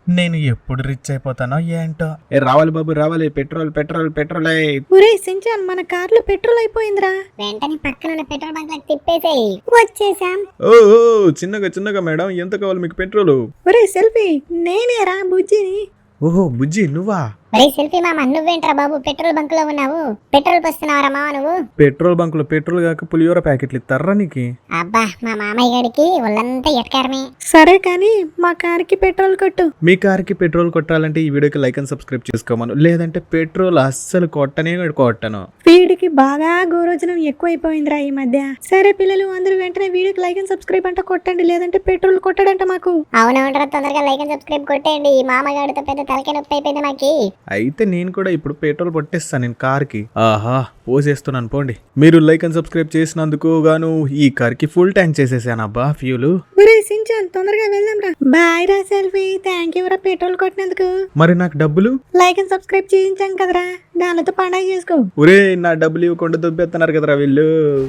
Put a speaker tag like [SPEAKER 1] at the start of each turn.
[SPEAKER 1] నేను ఎప్పుడు రిచ్ అయిపోతానో ఏంటో. రావాలి బాబు రావాలి, పెట్రోల్ పెట్రోల్ పెట్రోల్.
[SPEAKER 2] ఒరే సించాన్, మన కార్లో పెట్రోల్ అయిపోయిందిరా.
[SPEAKER 3] వెంటనే పక్కన ఉన్న పెట్రోల్ బంక్ లకు తిప్పేసేయ్. వచ్చేసాం.
[SPEAKER 1] ఓ చిన్నగా చిన్నగా మేడం, ఎంత కావాలి మీకు పెట్రోల్?
[SPEAKER 2] ఒరే సెల్ఫీ, నేనేరా బుజ్జిని.
[SPEAKER 1] ఓహో బుజ్జి నువ్వా?
[SPEAKER 3] ఒరే సెల్ఫీ మామ, నువ్వేంట్రా బాబు పెట్రోల్ బంక్ లో ఉన్నావు? పెట్రోల్ పోస్తున్నావరా మామ నువ్వు?
[SPEAKER 1] పెట్రోల్ బంక్ లో పెట్రోల్ కాక పులిహోర ప్యాకెట్లు ఇస్తారా నీకు?
[SPEAKER 3] అబ్బా, మా మామయ్య గారికి ఒళ్ళంతా ఎటకారమే.
[SPEAKER 2] సరే కానీ మా కార్కి పెట్రోల్ కొట్టు.
[SPEAKER 1] మీ కార్కి పెట్రోల్ కొట్టాలంటే ఈ వీడియోకి లైక్ అండ్ సబ్స్క్రైబ్ చేసుకోమను, లేదంటే పెట్రోల్ అస్సలు కొట్టనే కొట్టను.
[SPEAKER 2] వీడికి బాగా గోరోజనం ఎక్కువైపోయిందిరా ఈ మధ్య. సరే పిల్లలు అందరూ వెంటనే వీడియోకి లైక్ అండ్ సబ్స్క్రైబ్ అంట కొట్టండి, లేదంటే పెట్రోల్ కొట్టడంట మాకు.
[SPEAKER 3] అవునవునరా, తొందరగా లైక్ అండ్ సబ్స్క్రైబ్ కొట్టేయండి. ఈ మామగాడితో పెద్ద తలకాయ నొప్పి అయిపోయింది మాకి.
[SPEAKER 1] అయితే నేను కూడా ఇప్పుడు పెట్రోల్ పట్టేస్తాను నేను కార్కి. ఆహా పోసేస్తున్నాను పోండి. మీరు లైక్ అండ్ సబ్స్క్రైబ్ చేసినందుకు గాను ఈ కార్కి ఫుల్ ట్యాంక్ చేసేసాను అబ్బా ఫ్యూలు.
[SPEAKER 2] ఒరే సించాన్, తొందరగా వెళ్దాం రా. బాయ్ రా సెల్ఫీ, థ్యాంక్ యూ రా పెట్రోల్ కొట్టినందుకు.
[SPEAKER 1] మరి నాకు డబ్బులు?
[SPEAKER 2] లైక్ అండ్ సబ్స్క్రైబ్ చేయించాం కదరా, దానితో పండగ చేసుకో.
[SPEAKER 1] ఒరే నా డబ్బులు ఇవ్వకుండా దుబ్బెత్తన్నారు కదరా వీళ్ళు.